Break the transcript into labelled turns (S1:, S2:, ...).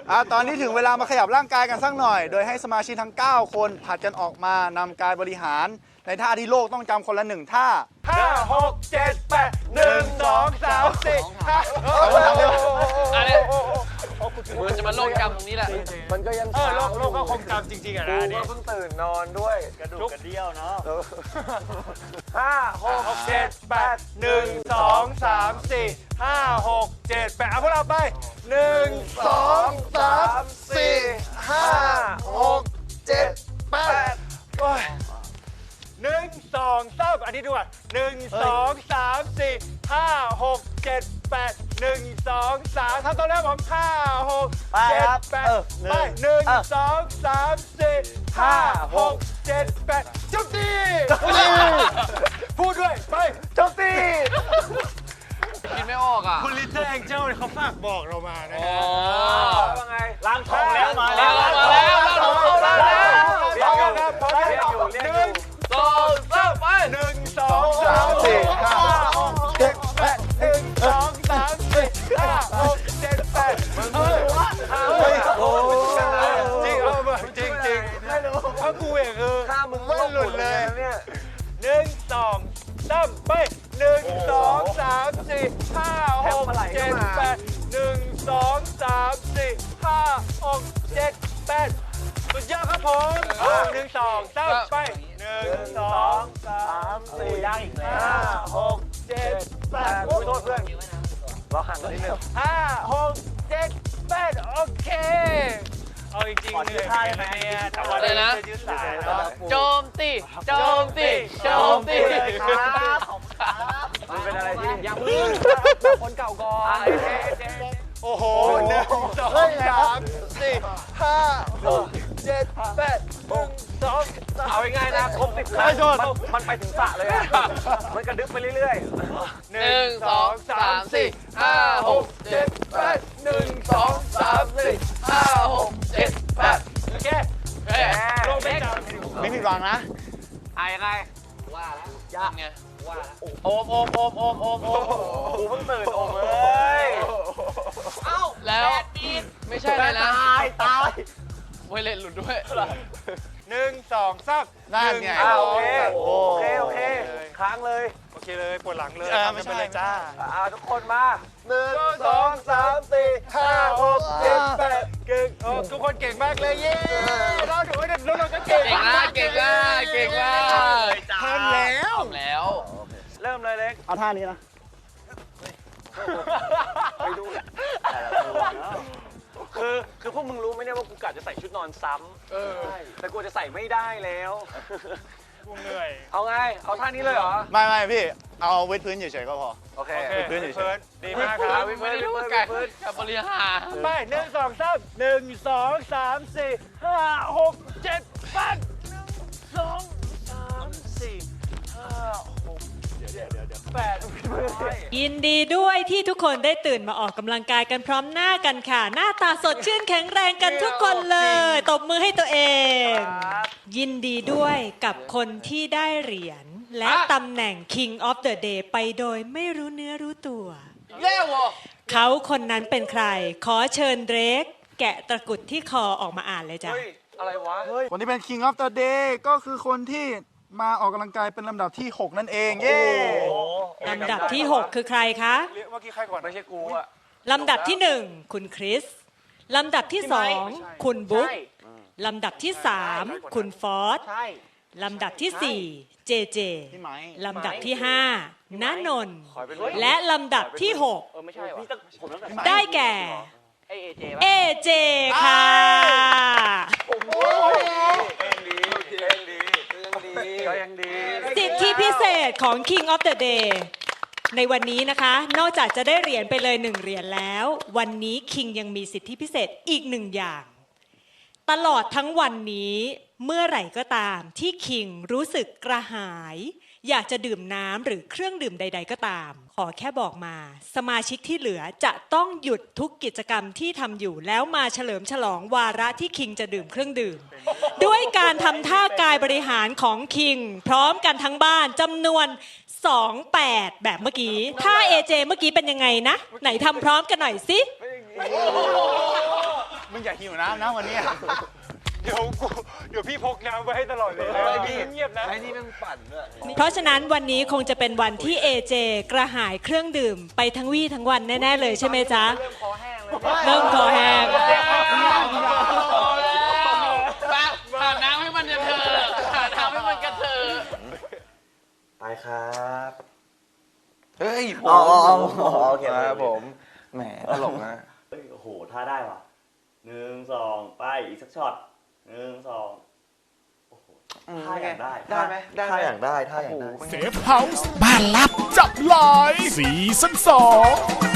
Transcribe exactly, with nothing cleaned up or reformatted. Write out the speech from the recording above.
S1: อ่ะตอนนี้ถึงเวลามาขยับร่างกายกันสักหน่อย โดยให้สมาชิกทั้งเก้าคนผัดกันออกมานำกายบริหารในท่าที่โลกต้องจำคนละหนึ่งท่า
S2: ห้าหกเจ็ดแปดหนึ่งสองสามสี่ห้า
S3: อะไรมันจะมาโลกจำตรงนี้แหละ
S2: มันก็ยังเออโลกโลกก็คงจำจริงๆอ่ะนะ
S4: กูก็เพิ่งตื่นนอนด้วย
S2: กระดูกกระเดี่ยวเนาะห้าหกเจ็ดแปดหนึ่งสองสามสี่ห้าหกเจ็ดแปดเอาพวกเราไปหนึ่งสองสามสี่ห้าหกเจ็ดแปดโอ้ยหนึ่งสองสามอันนี้ดูอ่ะหนึ่งสองสามสี่ห้าหกเจ็ดแปดหนึ่งสองสามทำตัวแรกผมห้าหกเจ็ดแปดไปหนึ่งสองสามสี่ห้าหกเจ็ดแปดจุดตีพูดด้วยไปจุดตี
S3: คิดไม่ออกอ่ะ
S2: คุณลิตเติ้ลแองเจิลเขาฝากบอกเรามานะฮะ
S4: ว่าไง
S2: ล้างท้องแล้วมาแล้ว
S3: มาแล้วล้างท้องแล้ว
S2: เรียกอยู่ครับพร้อมกันหนึ่ง
S3: สองสามไป
S2: หนึ่งสองสามสี่ห้าหกเจ็ดแปดหนึ่งสองสามสี่ห้าหกเจ็ดแปดเฮ้ยโอ้จริงเอามาจริงจริงถ้ากูเองคือ
S4: ถ้ามึง
S2: ไม่หลุดเลย
S4: เนี่ย
S2: หนึ่งสองสามไปหนึ่งสองสามสี่ห้าหกเจ็ดแปดหนึ่งสองสามสี่ห้าหกเจ็ดแปดสุดยอดครับผมหนึ่งสองสามไปหนึ่งสองสามสี่ห้าหกเจ็ดแปดโอ้ยโทษเพื่อน
S4: เราห่างกันนิดนึง
S2: ห้าหกเจ็ดแปดโอเคเอาจริงๆเลยเนี่ยแต่ว่าเลยนะ
S3: โจมตีโจมตีโจมตี
S4: ครับมันเป็นอะไรที่
S3: ยังพึ่งคนเก่าก่อน
S2: โอ้โหหนึ่งสองสามสี่ห้าหกเจ็ดแปดหนึ่งสอง
S4: เอาง่ายๆนะครบสิบครั้งมันไปถึงสระเลยมันกระดึ๊บไปเรื่อย
S3: ๆหนึ่งสองสามสี่ห้าหกเจ็ดแปดหนึ่งสองสามสี่ห้าหกเจ็ดแปด
S2: โอเคลงไปจับ
S1: ไม่ผิดหวังนะ
S4: ไอ้ยังไง
S3: ว่าแล้วยากไงว่า
S4: โอมโอมโอมโอมโอมโอมกูเพิ่งตื่นโอมเลย
S3: เอ้าแล้วไม่ใช่เลยนะ
S4: ตายตาย
S3: ไวเลนหลุดด้วย
S2: หนึ่งสองสาม
S1: นั่นไง
S4: โอเคโอเคโอเคค้างเลย
S2: โอเคเลยปวดหลังเลย
S1: ไม่ใช่เลยจ้า
S4: อ่าทุกคนมา
S2: หนึ่งสองสามสี่ห้าหกเจ็ดแปดเก่งโอ้ทุกคนเก่งมากเลยเย้เราถือว่าเด็กรุ่นเราก็เก่ง
S3: เก่งมากเก่งมากเก่งมาก
S1: ทำแล้ว
S3: ทำแล้ว
S4: เริ่มเลยเล็ก
S1: เอาท่านี้นะ
S4: ไปดูคือคือพวกมึงรู้ไหมเนี่ยว่ากูกะจะใส่ชุดนอนซ้ำเออแต่กูจะใส่ไม่ได้แล้ว
S2: กูเหนื่อย
S4: เอาไงเอาท่านี้เลยเหรอ
S1: ไม่ไม่พี่เอาเวทพื้นเฉยๆก็พอ
S4: โอเค
S2: พื้นเฉยๆดีมากครับ
S3: ไม่ได้รู้ว่าการกับบริหาร
S2: ไปหนึ่งสองสามหนึ่งสองสามสี่ห้าหกเจ็ดแปดหนึ่งสองสามสี่ห้าหกเจ็ดแปด
S5: ยินดีด้วยที่ทุกคนได้ตื่นมาออกกำลังกายกันพร้อมหน้ากันค่ะหน้าตาสดชื่นแข็งแรงกันทุกคนเลยตบมือให้ตัวเองยินดีด้วยกับคนที่ได้เหรียญและตำแหน่ง King of the Day ไปโดยไม่รู้เนื้อรู้ตัวเขาคนนั้นเป็นใครขอเชิญเดรกแกะตะกรุดที่คอออกมาอ่านเลยจ้ะ
S4: อะไรวะ
S1: คนที่เป็น King of the Day ก็คือคนที่มาออกกำลังกายเป็นลำดับที่หกนั่นเองเย้
S5: ลำดับที่หกคือใครคะ
S2: เมื่อกี้ใครก่อน
S4: ไม่ใช่กูอะ
S5: ลำดับที่หนึ่งคุณคริสลำดับที่สองคุณบุ๊กลำดับที่สามคุณฟอสลำดับที่สี่เจเจลำดับที่ห้าณนนท์และลำดับที่หกได้แก่เอเจค่ะสิทธิพิเศษของ King of the Day ในวันนี้นะคะนอกจากจะได้เหรียญไปเลยหนึ่งเหรียญแล้ววันนี้ King ยังมีสิทธิพิเศษอีกหนึ่งอย่างตลอดทั้งวันนี้เมื่อไหร่ก็ตามที่ King รู้สึกกระหายอยากจะดื่มน้ำหรือเครื่องดื่มใดๆก็ตามขอแค่บอกมาสมาชิกที่เหลือจะต้องหยุดทุกกิจกรรมที่ทำอยู่แล้วมาเฉลิมฉลองวาระที่ King จะดื่มเครื่องดื่มด้วยการทำท่ากายบริหารของ King พร้อมกันทั้งบ้านจำนวนสองแปดแบบเมื่อกี้ท่า เอ เจ เมื่อกี้เป็นยังไงนะไหนทำพร้อมกันหน่อยสิ
S2: ม
S1: มึงอย่าหิวน้ำนะวันนี้
S2: เดี๋ยวกูเดี๋ยวพี่พกน้ำไว้ให้ตลอดเลยนะพี่เงียบๆนะ
S3: ไอ้นี่มันปั่นด้วย
S5: เพราะฉะนั้นวันนี้คงจะเป็นวันที่ เอ เจ กระหายเครื่องดื่มไปทั้งวี่ทั้งวันแน่ๆเลยใช่ไหมจ๊ะ
S2: เริ่มคอแห้งเลย
S5: เริ่มคอแห้ง
S3: หาน้ำให้มันจะเธอหาน้ำให้มันกระเธอ
S4: ไปครับ
S3: เฮ้ย
S4: อ๋อโอเค
S3: ครับผมแหมตลกนะ
S4: เฮ้ยโอ้โหท่าได้ว่ะหนึ่งสองไปอีกสักช็อตหนึ่งสองโอ้โหท่าอย่างได้
S3: ได้ไหมได้ไหม
S4: ท่าอย่างได้ท่าอย่างได้
S6: เซฟเฮาส์บ้านลับจับหลายซีซั่นสอง